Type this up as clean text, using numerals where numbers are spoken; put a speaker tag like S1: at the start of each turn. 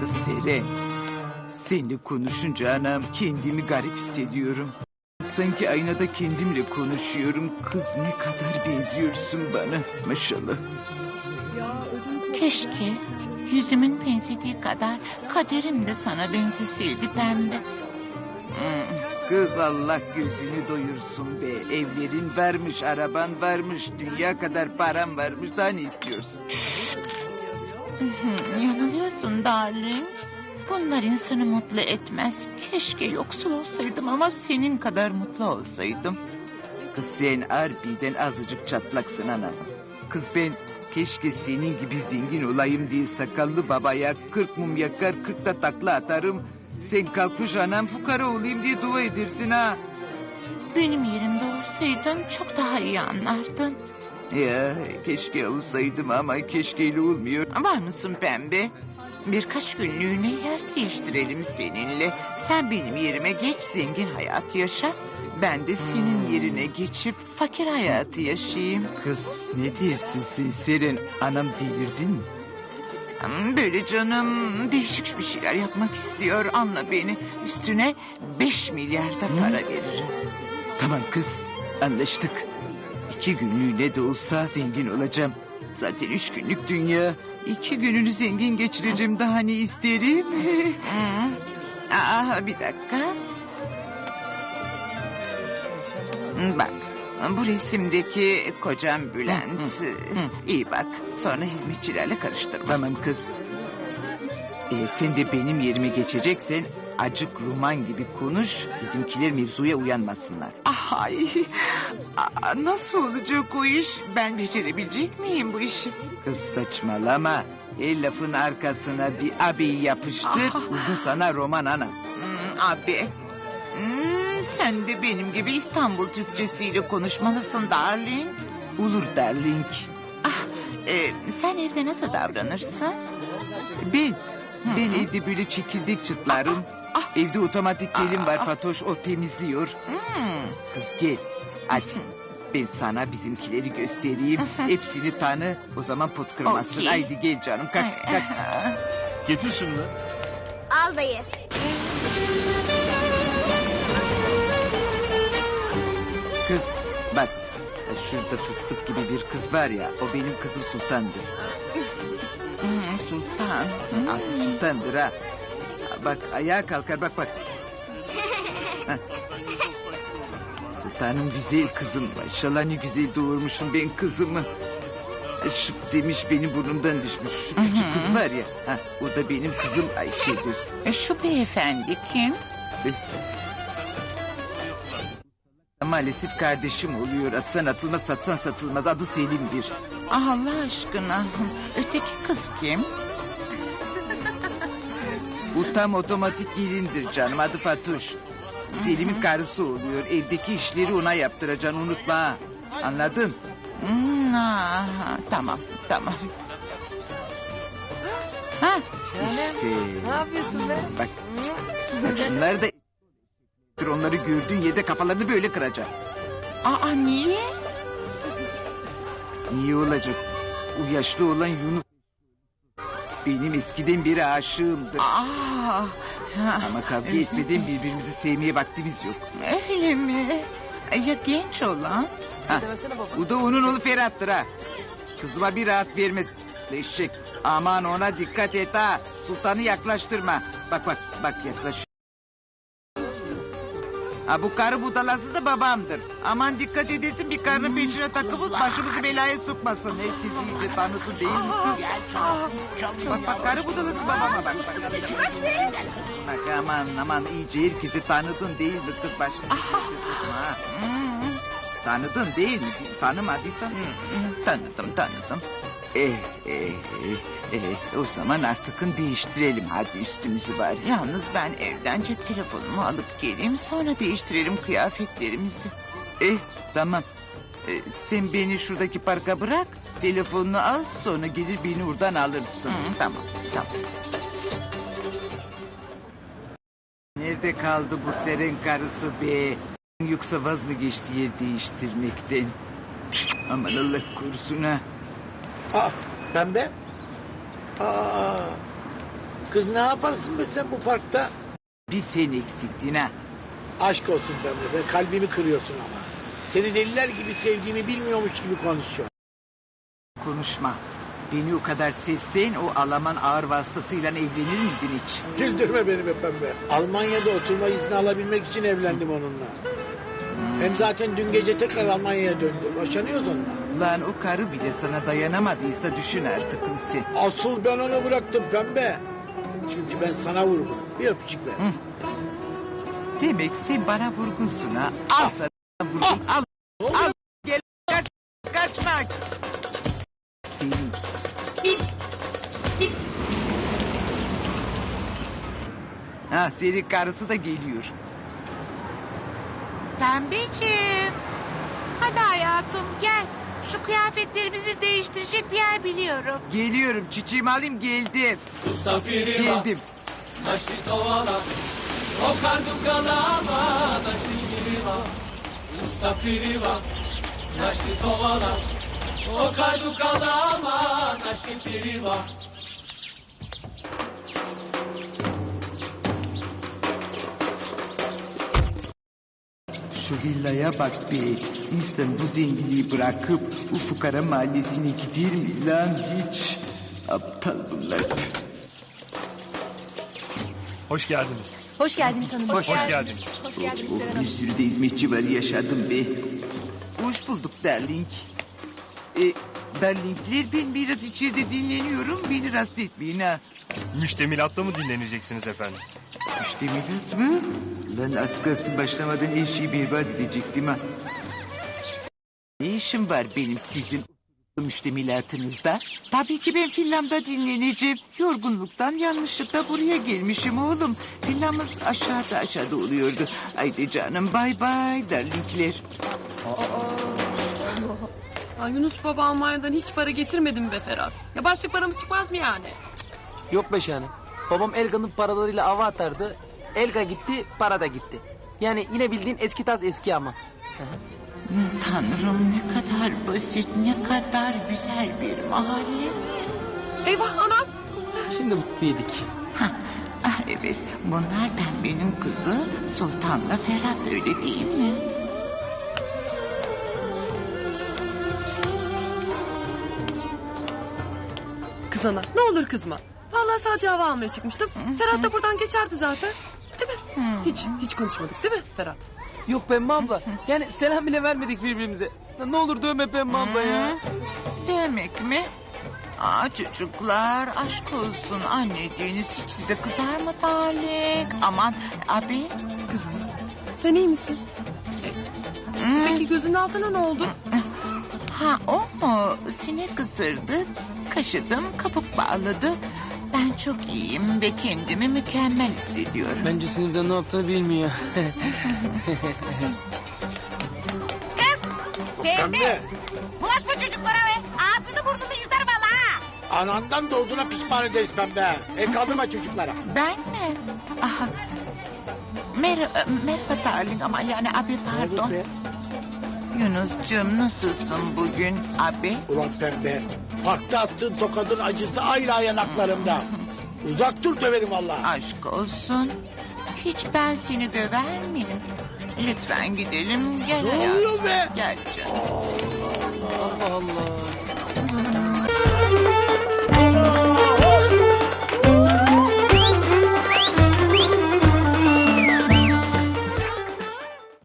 S1: Kız Seren, seninle konuşunca anam kendimi garip hissediyorum. Sanki aynada kendimle konuşuyorum. Kız ne kadar benziyorsun bana maşallah.
S2: Keşke yüzümün benzediği kadar kaderim de sana benzeseydi pembe.
S1: Kız Allah gözünü doyursun be. Evlerin varmış, araban varmış, dünya kadar param varmış. Daha ne istiyorsun?
S2: Yanılıyorsun darling. Bunlar insanı mutlu etmez. Keşke yoksul olsaydım ama senin kadar mutlu olsaydım.
S1: Kız sen harbiden azıcık çatlaksın anam. Kız ben keşke senin gibi zengin olayım diye sakallı babaya 40 mum yakar 40 da takla atarım. Sen kalkmış anam fukara olayım diye dua edersin ha.
S2: Benim yerimde olsaydın çok daha iyi anlardın.
S1: Ya keşke olsaydım ama keşkeyle olmuyor.
S2: Var mısın pembe? Birkaç günlüğüne yer değiştirelim seninle. Sen benim yerime geç, zengin hayatı yaşa. Ben de senin yerine geçip fakir hayatı yaşayayım.
S1: Kız ne dersin sen Seren? Anam delirdin mi?
S2: Böyle canım değişik bir şeyler yapmak istiyor. Anla beni. Üstüne 5 milyar da para veririm.
S1: Tamam kız anlaştık. 2 günlüğüne de olsa zengin olacağım. Zaten 3 günlük dünya. 2 gününü zengin geçireceğim, daha ne isterim?
S2: Bir dakika. Bak, bu resimdeki kocam Bülent. İyi bak, sonra hizmetçilerle karıştırma.
S1: Tamam kız. Eğer sen de benim yerime geçeceksen acık roman gibi konuş. Bizimkiler mevzuya uyanmasınlar.
S2: Ay, nasıl olacak o iş? Ben becerebilecek miyim bu işi?
S1: Kız saçmalama. El lafın arkasına bir abiyi yapıştır. Buldum sana roman ana.
S2: Abi. Sen de benim gibi İstanbul Türkçesiyle konuşmalısın darling.
S1: Olur darling.
S2: Sen evde nasıl davranırsın?
S1: Ben evde böyle çekirdek çıtlarım. Evde otomatik gelin var Fatoş, o temizliyor. Kız gel hadi. Ben sana bizimkileri göstereyim. Hepsini tanı. O zaman pot kırmazsın.
S2: Okey.
S1: Haydi gel canım kalk kalk.
S3: Getir şunu.
S4: Al dayı.
S1: Kız bak şurada fıstık gibi bir kız var ya, o benim kızım Sultan'dır.
S2: Sultan.
S1: Adı Sultan'dır ha. Bak ayağa kalkar bak bak. Hah. Sultanım güzel kızım. Maşallah ne güzel doğurmuşum ben kızımı. Şıp demiş benim burnumdan düşmüş. Şu küçük kız var ya. Ha, o da benim kızım Ayşe'dir.
S2: Şu beyefendi kim?
S1: Maalesef kardeşim oluyor. Atsan atılmaz satsan satılmaz. Adı Selim'dir.
S2: Allah aşkına. Öteki kız kim?
S1: Bu tam otomatik gelindir canım. Adı Fatoş. Selim'in karısı oluyor. Evdeki işleri ona yaptıracaksın, unutma ha. Anladın?
S2: Tamam.
S1: İşte.
S5: Ne yapıyorsun be?
S1: Bak. Bak şunlar da... Onları gördüğün yerde kafalarını böyle kıracaksın.
S2: Niye?
S1: Niye olacak? O yaşlı olan Yunus... Benim eskiden beri aşığımdır. Ama kavga etmeden birbirimizi sevmeye vaktimiz yok.
S2: Öyle mi? Ya genç olan?
S1: Ha, bu da onun oğlu Ferhat'tır ha. Kızıma bir rahat vermez. Eşek. Aman ona dikkat et ha. Sultanı yaklaştırma. Bak yaklaş. Ha, bu karı budalası da babamdır. Aman dikkat edesin, bir karının peşine takılıp başımızı belaya sokmasın. Herkes iyice tanıdı değil mi kız? Bak karı budalası babama bak. Bak aman iyice herkesi tanıdın değil mi kız, başımızı belaya sokma ha. Tanıdın değil mi? Tanımadıysan.
S2: Tanıdım.
S1: O zaman artık değiştirelim hadi üstümüzü bari.
S2: Yalnız ben evden cep telefonumu alıp geleyim, sonra değiştirelim kıyafetlerimizi.
S1: Tamam. Sen beni şuradaki parka bırak. Telefonunu al, sonra gelir beni oradan alırsın.
S2: Tamam.
S1: Nerede kaldı bu Seren karısı be? Yoksa vaz mı geçti yer değiştirmekten? Aman Allah korusun ha.
S3: Pembe.
S4: Kız ne yaparsın be sen bu parkta?
S2: Bir sen eksiktin ha.
S4: Aşk olsun Pembe be, kalbimi kırıyorsun ama. Seni deliler gibi sevdiğimi bilmiyormuş gibi konuşuyor.
S2: Konuşma. Beni o kadar sevsen o Alman ağır vasıtasıyla evlenir miydin hiç?
S4: Güldürme beni be Pembe. Almanya'da oturma izni alabilmek için evlendim onunla. Hem zaten dün gece tekrar Almanya'ya döndü. Boşanıyoruz onunla.
S2: Lan o karı bile sana dayanamadıysa düşün artık sen.
S4: Asıl ben onu bıraktım Pembe. Çünkü ben sana vurgun. Bir öpücük ver.
S2: Demek sen bana vurgunsun ha. Al sana vurgun al. Al gel kaçma. Senin. Ha senin karısı da geliyor.
S5: Pembeciğim. Hadi hayatım gel. Şu kıyafetlerimizi değiştirecek bir yer biliyorum.
S2: Geliyorum çiçeğimi alayım geldim. Geldim. Şu villaya bak be. İnsan bu zenginliği bırakıp bu fukara mahallesine gider mi lan hiç? Aptal bunlar.
S3: Hoş geldiniz.
S6: Hoş geldiniz hanım.
S3: Hoş geldiniz.
S6: Hoş geldiniz
S2: Oh,
S6: Seren
S2: bir
S6: Hanım.
S2: sürü de hizmetçi var yaşadım be. Hoş bulduk darling. Darlingler ben biraz içeride dinleniyorum. Beni rahatsız etmeyin ha.
S3: Müştemilatta mı dinleneceksiniz efendim?
S2: İşte millet mi? Lan az kalsın başlamadan her şeyi berbat edecektim ha. Ne işim var benim sizin müştemilatınızda? Tabii ki ben filmde dinleneceğim. Yorgunluktan yanlışlıkla buraya gelmişim oğlum. Filmimiz aşağıda oluyordu. Haydi canım bay bay darlingler.
S7: Ay Yunus baba Almanya'dan hiç para getirmedim be Ferhat. Ya başlık paramız çıkmaz mı yani?
S8: Yok be şahanem. Babam Elga'nın paralarıyla ava atardı. Elga gitti, para da gitti. Yani yine bildiğin eski taz eski ama.
S2: Tanrım ne kadar basit, ne kadar güzel bir mahalle.
S7: Eyvah anam.
S8: Şimdi mutlu yedik.
S2: Ah evet, bunlar benim kızı Sultan'la Ferhat öyle değil mi?
S7: Kız ana ne olur kızma. Vallahi sadece hava almaya çıkmıştım. Ferhat da buradan geçerdi zaten. Değil mi? Hiç konuşmadık değil mi Ferhat?
S8: Yok Pembe abla. Yani selam bile vermedik birbirimize. Ne olur dövme Pembe abla ya.
S2: Demek mi? Aa çocuklar aşk olsun anneciğiniz hiç size kızar mı darling? Aman abi.
S7: Kızım sen iyi misin? Peki gözünün altına ne oldu?
S2: Ha o mu? Sinek ısırdı, kaşıdım, kabuk bağladı. Ben çok iyiyim ve kendimi mükemmel hissediyorum.
S8: Bence sinirden ne yaptığını bilmiyor.
S4: Pembe,
S5: Bulaşma çocuklara be. Ağzını burnunu yırtarım valla ha.
S4: anandan doğduğuna pişman ederiz Pembe. El kaldırma çocuklara.
S2: Ben mi? Aha. Merhaba darling ama yani abi pardon. Yunus'cum nasılsın bugün abi?
S4: Ulan Pembe, parkta attığın tokadın acısı hala yanaklarımda. Uzak dur döverim vallahi.
S2: Aşk olsun. Hiç ben seni döver miyim? Lütfen gidelim gel
S4: Ne
S2: hayatım.
S4: oluyor be?
S2: Gel canım.
S8: Allah Allah.